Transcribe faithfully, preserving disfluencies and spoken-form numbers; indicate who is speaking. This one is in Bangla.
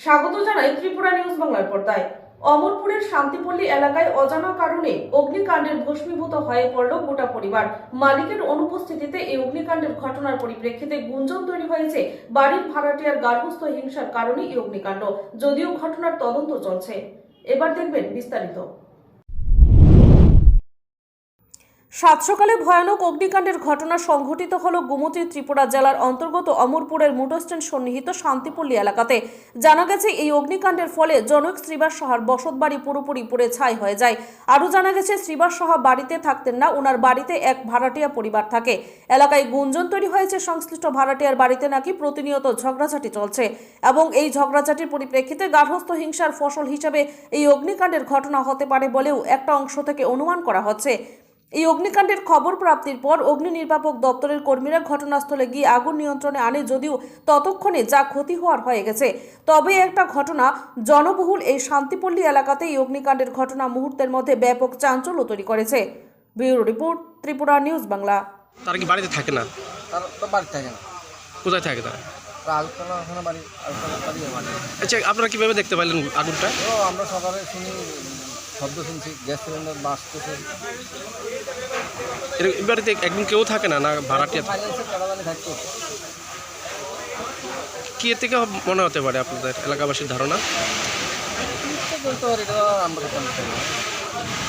Speaker 1: স্বাগত জানাই ত্রিপুরা নিউজ বাংলার পর্দায়। অমরপুরের শান্তিপল্লী এলাকায় অজানা কারণে অগ্নিকাণ্ডের ভস্মীভূত হয়ে পড়ল গোটা পরিবার। মালিকের অনুপস্থিতিতে এই অগ্নিকাণ্ডের ঘটনার পরিপ্রেক্ষিতে গুঞ্জন তৈরি হয়েছে বাড়ির ভাড়াটিয়ার গার্হস্থ্য হিংসার কারণে এই অগ্নিকাণ্ড। যদিও ঘটনার তদন্ত চলছে। এবার দেখবেন বিস্তারিত। সাত সকালে ভয়ানক অগ্নিকাণ্ডের ঘটনা সংঘটিত হল গোমতী ত্রিপুরা জেলার অন্তর্গত অমরপুরের মোটরস্ট্যান্ড সন্নিহিত শান্তিপল্লী এলাকাতে। জানা গেছে এই অগ্নিকাণ্ডের ফলে জনক শ্রীবাস সাহার বসতবাড়ি পুরোপুরি পুড়ে ছাই হয়ে যায়। আরও জানা গেছে শ্রীবাস সাহা বাড়িতে থাকতেন না, ওনার বাড়িতে এক ভাড়াটিয়া পরিবার থাকে। এলাকায় গুঞ্জন তৈরি হয়েছে সংশ্লিষ্ট ভাড়াটিয়ার বাড়িতে নাকি প্রতিনিয়ত ঝগড়াঝাটি চলছে এবং এই ঝগড়াঝাটির পরিপ্রেক্ষিতে গার্হস্থ্য হিংসার ফসল হিসেবে এই অগ্নিকাণ্ডের ঘটনা হতে পারে বলেও একটা অংশ থেকে অনুমান করা হচ্ছে। এই অগ্নিকাণ্ডের খবর প্রাপ্তির পর অগ্নি নির্বাপক দপ্তরের কর্মীরা ঘটনাস্থলে গিয়ে আগুন নিয়ন্ত্রণে আনে, যদিও ততক্ষণে যা ক্ষতি হওয়ার হয়ে গেছে। তবে একটা ঘটনা, জনবহুল এই শান্তিপল্লী এলাকাতে এই অগ্নিকাণ্ডের ঘটনা মুহূর্তের মধ্যে ব্যাপক চাঞ্চল্য তৈরি করেছে। Bureau report, Tripura news Bangla.
Speaker 2: তারা কি বাড়িতে থাকে না?
Speaker 3: তারা তো বাড়িতে থাকে না।
Speaker 2: কোথায় থাকে তারা?
Speaker 3: আলতলা ওখানে বাড়ি, আলতলা বাড়ি বাড়ি।
Speaker 2: আচ্ছা, আপনারা কিভাবে দেখতে পাইলেন আগুনটা?
Speaker 3: তো আমরা সকালে শুনি শব্দ শুনছি, গ্যাস সিলিন্ডার বাঁচতেছে।
Speaker 2: এর এই বাড়িতে একদিন কেউ থাকে না, না ভাড়াটিয়া?
Speaker 3: ফাইন্যান্সের টাকাদানি থাকতো।
Speaker 2: কি এর থেকে মনে হতে পারে আপনাদের এলাকাবাসীর ধারণা?
Speaker 3: বলতে পারি, এটা আমরা তো জানি না।